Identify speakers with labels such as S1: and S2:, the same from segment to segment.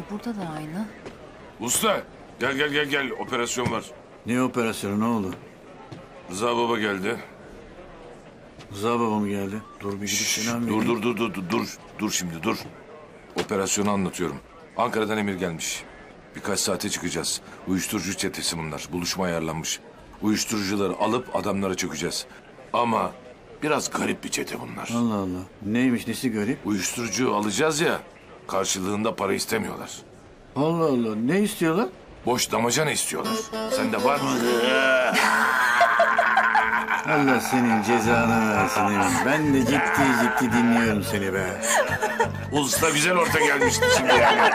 S1: burada da aynı.
S2: Usta gel operasyon var.
S3: Ne operasyonu, ne oldu?
S2: Rıza baba geldi.
S3: Rıza baba mı geldi? Dur bir gidip selam vereyim.
S2: Dur şimdi dur. Operasyonu anlatıyorum. Ankara'dan emir gelmiş. Birkaç saate çıkacağız. Uyuşturucu çetesi bunlar. Buluşma ayarlanmış. Uyuşturucuları alıp adamlara çökeceğiz. Ama biraz garip bir çete bunlar.
S3: Allah Allah. Neymiş, nesi garip?
S2: Uyuşturucu alacağız ya, karşılığında para istemiyorlar.
S3: Allah Allah. Ne istiyorlar?
S2: Boş damacana istiyorlar. Sende var mı?
S3: Allah senin cezanı versin Emin. Ben de ciddi dinliyorum seni be.
S2: Usta güzel orta gelmişti şimdi yani.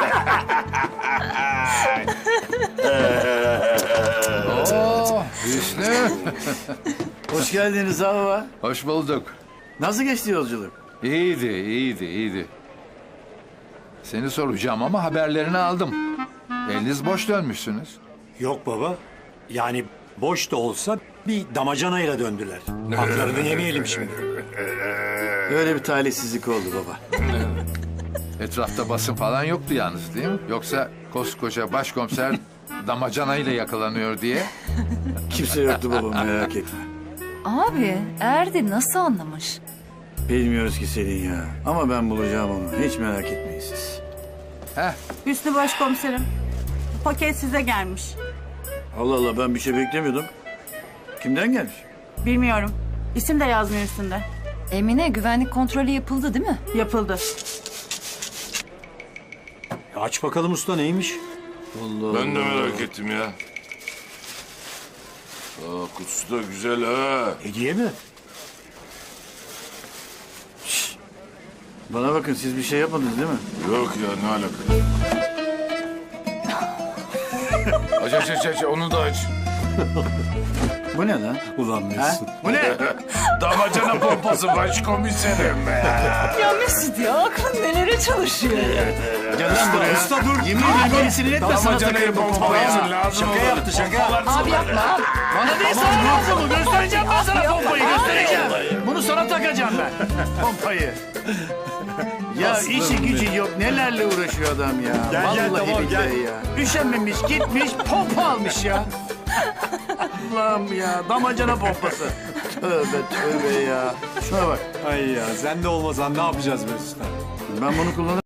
S4: Hüsnü.
S3: Hoş geldin Rıza baba.
S4: Hoş bulduk.
S3: Nasıl geçti yolculuk?
S4: İyiydi. Seni soracağım ama haberlerini aldım. Eliniz boş dönmüşsünüz.
S5: Yok baba. Yani boş da olsa bir damacanayla döndüler. Haklarını yemeyelim şimdi.
S3: Öyle bir talihsizlik oldu baba.
S4: Etrafta basın falan yoktu yalnız değil mi? Yoksa koskoca başkomiser damacanayla yakalanıyor diye.
S3: Kimse yoktu baba, merak etme.
S1: Abi Erdi nasıl anlamış?
S3: Bilmiyoruz ki Selin ya. Ama ben bulacağım onu. Hiç merak etmeyin siz.
S4: Heh,
S6: Hüsnü Başkomiserim, paket size gelmiş.
S3: Allah Allah, ben bir şey beklemiyordum. Kimden gelmiş?
S6: Bilmiyorum. İsim de yazmıyor üstünde.
S1: Emine güvenlik kontrolü yapıldı değil mi?
S6: Yapıldı.
S5: Ya aç bakalım usta neymiş?
S3: Allah
S2: Ben de merak ettim ya. Kutusu da güzel ha.
S5: Hediye mi?
S3: Bana bakın, siz bir şey yapmadınız değil mi?
S2: Yok ya, ne alaka? Aç onu da aç.
S3: Bu ne lan?
S5: Ulan
S3: Ha?
S5: Mesut.
S3: Bu ne?
S2: Damacana pompası başkomiserim be.
S1: Ya Mesut ya aklın nelere çalışıyor ya?
S3: Gel lan buraya.
S5: Usta dur.
S3: Yemin ederim beni sinir etme, sana
S2: Damacanayı
S3: takarım bu
S2: pompalayasın
S3: pompayı.
S2: lazım
S5: Şaka
S2: olur.
S5: yaptı şaka.
S1: Abi yapma abi.
S3: Bana değil, sana lazım mı? Göstereceğim ben sana pompayı, göstereceğim. Bunu sana takacağım ben. Pompayı. Ya işi gücü yok, nelerle uğraşıyor adam ya.
S5: Gel,
S3: Vallahi
S5: tamam,
S3: billahi
S5: gel.
S3: ya. Üşenmemiş, gitmiş, pompa almış ya. Allah'ım ya, damacana pompası. Tövbe ya. Şuna bak.
S5: Ay ya sen de olmasan ne yapacağız Mesut'a?
S3: Ben bunu kullanırım.